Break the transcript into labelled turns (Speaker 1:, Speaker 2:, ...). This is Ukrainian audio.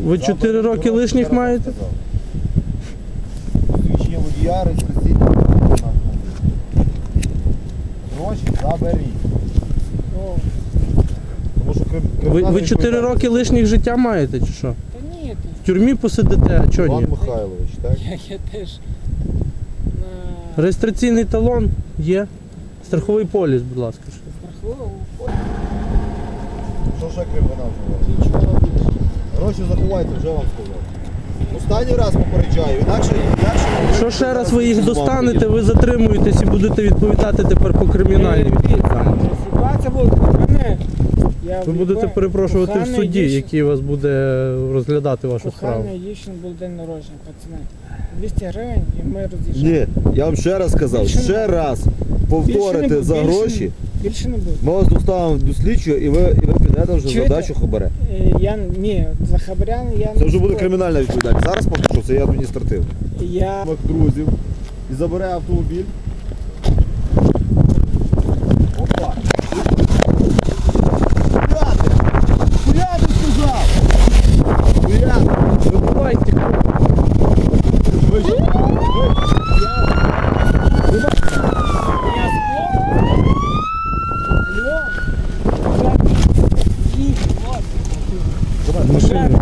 Speaker 1: Ви 4 роки лишніх маєте?
Speaker 2: Свідчення водія, реєстраційний. Гроші заберіть. Тому що
Speaker 1: Ви 4 роки лишніх життя маєте чи що?
Speaker 3: Та ні,
Speaker 1: В тюрмі посидите, а чого
Speaker 2: Іван
Speaker 1: ні?
Speaker 2: Михайлович, так?
Speaker 3: я теж на
Speaker 1: Реєстраційний талон є. Страховий поліс, будь ласка.
Speaker 3: страховому
Speaker 2: Що ще крім вона вживає?
Speaker 3: нічого більше.
Speaker 2: Гроші заховайте, вже вам сказав. Останній раз попереджаю, інакше...
Speaker 1: Якщо ще раз ви їх достанете, ви затримуєтесь і будете відповідати тепер по кримінальній відповідальності.
Speaker 3: Ситуація була мене.
Speaker 1: Ви будете перепрошувати в суді, який вас буде розглядати вашу справу.
Speaker 3: Кохання дівчини був день народження, пацани. 200 гривень і ми роз'їжджаємо.
Speaker 2: Ні, я вам ще раз сказав,
Speaker 3: Більше
Speaker 2: ще
Speaker 3: не
Speaker 2: раз
Speaker 3: Більше
Speaker 2: повторите
Speaker 3: не
Speaker 2: за
Speaker 3: буде,
Speaker 2: гроші,
Speaker 3: Більше не буде.
Speaker 2: ми вас доставимо до слідчого і ви підете вже
Speaker 3: Чуєте?
Speaker 2: задачу хабаре.
Speaker 3: Ні, за хабарян я не
Speaker 2: Це вже буде
Speaker 3: спорю.
Speaker 2: кримінальна відповідальність. Зараз поки що це є адміністративне.
Speaker 3: Я
Speaker 2: Друзів і забере автомобіль. Опа! Куляти! Куляти сказав! Куляти!
Speaker 1: Вибивайте.
Speaker 3: Машина.